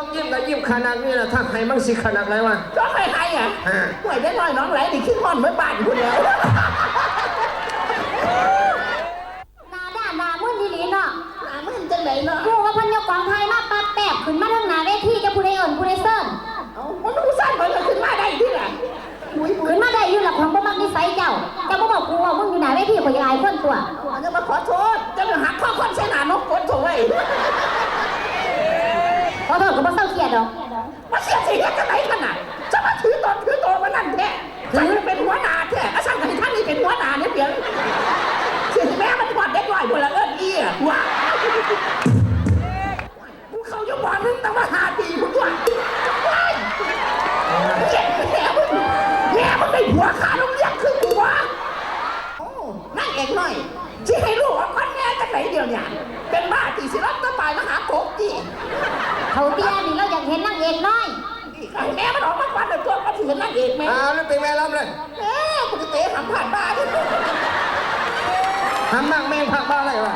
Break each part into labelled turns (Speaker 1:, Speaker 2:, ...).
Speaker 1: ต้องยิ้มกับยิ้มขนาดนี้นะถ้าใครมั่งสิขนาดไรวะ
Speaker 2: ก็ใครอ่ะห่วยได้น้อยน้องไหลดิขึ้นห้อนเมื่อบ้านคุณแล้ว
Speaker 3: นาด่านามื่นดีลีเนาะ
Speaker 2: นามื่นจังไหนเนาะ
Speaker 3: กูว่าพันยกกองไทยมาปัดแปบขึ้นมาทั้งหนาเวทีจะผู้ใดเอิญผู้ใดเซิร์น
Speaker 2: มันรู้สั้นมันขึ้นมาได้ที่ไหน
Speaker 3: ขึ้นมาได้อยู่หลักของบ่มักนิสัยเจ้าบ่บอกกูว่ามึงอยู่หนาเวทีข่อยอายคนตัว
Speaker 2: จะมาขอโทษจะมาหักข้อคนใช้หนานกคนโถ่ไว้
Speaker 3: ขอโทษก็บ่เศร้าเครียดดอก
Speaker 2: มาเสียสิจะไหนขนาดจะมาถือตนมานั่นแท้ฉันเป็นหัวหน้าแท้อาจารย์กับท่านนี่เป็นหัวหน้าเนี่ยเพียงเสียแม่มันกอดเด็กหน่อยบนละเอิ้นอี้อ่ะว้ากูเขาจะบอกนึงแต่ว่า5 ปีกูด้วยแม่มันได้หัวขาโรงเรียนคือหัวนั่งเอกหน่อยที่ให้ลูกว่าก้อนแม่จากไหนเดียวเนี่ยเป็นบ้าตีศิลป์ตะปายมหาโกกี
Speaker 3: เขาเตี้ยนี่เราอยากเห็นนางเอกน้อย
Speaker 2: แม่มันออกมาควันเดือดตัวมันถือนางเอกไหม
Speaker 1: แล้วเป็นแม่ล้ำเลย
Speaker 2: กูจะเตะหำผ่านบ้าน
Speaker 1: ทำมากแม่งพักบ้าอะไรวะ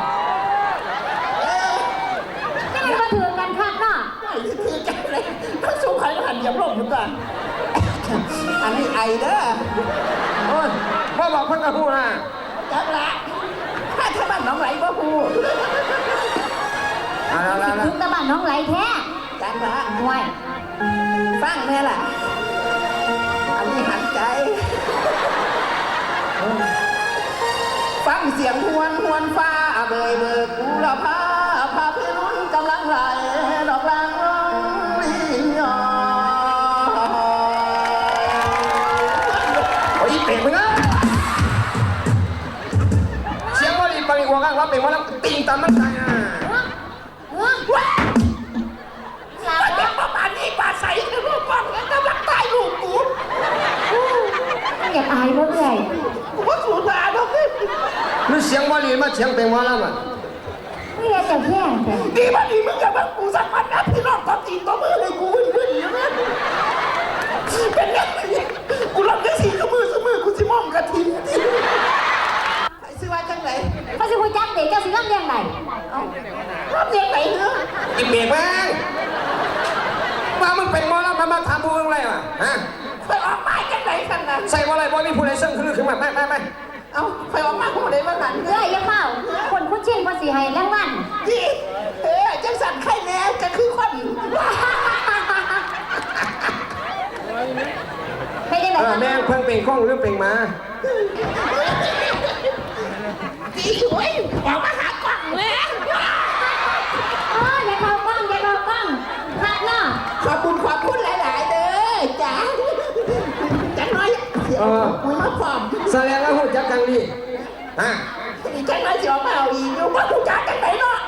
Speaker 3: ไม่ได้มาถือกันคักเนาะ
Speaker 2: ถือกันเลยต้องสู้ใครก็หันอย่าลงเหมือนกันอันนี้ไอเด้อ
Speaker 1: โอ้ยว่าบอกเพิ่งกระพู้นะ
Speaker 2: จังละถ้าบ้านน้องไหลก็พูด
Speaker 3: ถึงตะบ้านน้องไหลแท้
Speaker 2: จังละ
Speaker 3: ห่วย
Speaker 2: ฟังเนี่ยแหละอันนี้หันใจฟังเสียงหวนฟ้าเบยเบิกกูละพาพี่รุ่นกำลังไหลดอกลางร้องลิ้นยอ
Speaker 1: อีเป็ดมึงอะเสียงว่าดีปังอีกว่ากันว่าเป็นว่าแล้วติงตามมันตายอ่ะ
Speaker 2: ว้าเด็กประมาณนี้ป่าใสคือลูกป้องแล้วกำลังตายลูกกู
Speaker 3: อยากอายเมื่อไหร่
Speaker 2: กูว่าสูญมาแล้ว
Speaker 1: นี่เสียงว่าดีมาเสียงเป็นว่าแล้วมัน
Speaker 3: ไม่อยากจะแย่แต่
Speaker 2: ดีมาดีมึงอย่ามากูสักวันนะพี่น้องตอนตีตัวมือเลยกูขึ้นอย่างนั้นเป็นไงกูรับได้สีมือกูสิมองกระถิ่นไอ้ซื้อว่าจังไหน
Speaker 3: เขาสิคุยจักเด็กเจ้าสิรับเลี้ยงไหน
Speaker 2: รับเลี้ยงไหนเนอะ
Speaker 1: อีเบียกแม่งว่ามึงเป็นมอแล้วมาทำบูอะไรวะฮะ
Speaker 2: ไปออกมาจังไหนกันนะ
Speaker 1: ใส่ว่าอะไรบอยมีผู้ใดซึ่งคือมาไม่
Speaker 2: เอาไปออกมาผู้ใดมาหนัน
Speaker 3: ยังเมาคนคุ้นชินภาษีให้แรงวัน
Speaker 2: จีจังสั่นไข่แน่จะคือคน
Speaker 3: ไม่ได้ไหน
Speaker 1: แม่เพิ่งเป็นข้องหรือเป็นมา
Speaker 2: จีสวยออกมาหากล่องเลย
Speaker 3: อย่าเข้ากล้องพักเนาะ
Speaker 2: ขอบคุณหลายๆเด้อจ๋าจังน้อยคุยมาพร้อม
Speaker 1: แสดงว่าหูจักกันดี
Speaker 2: จังน้อยจะมาเอาอีกอยู่ว่าหูจักกันไหนเนาะ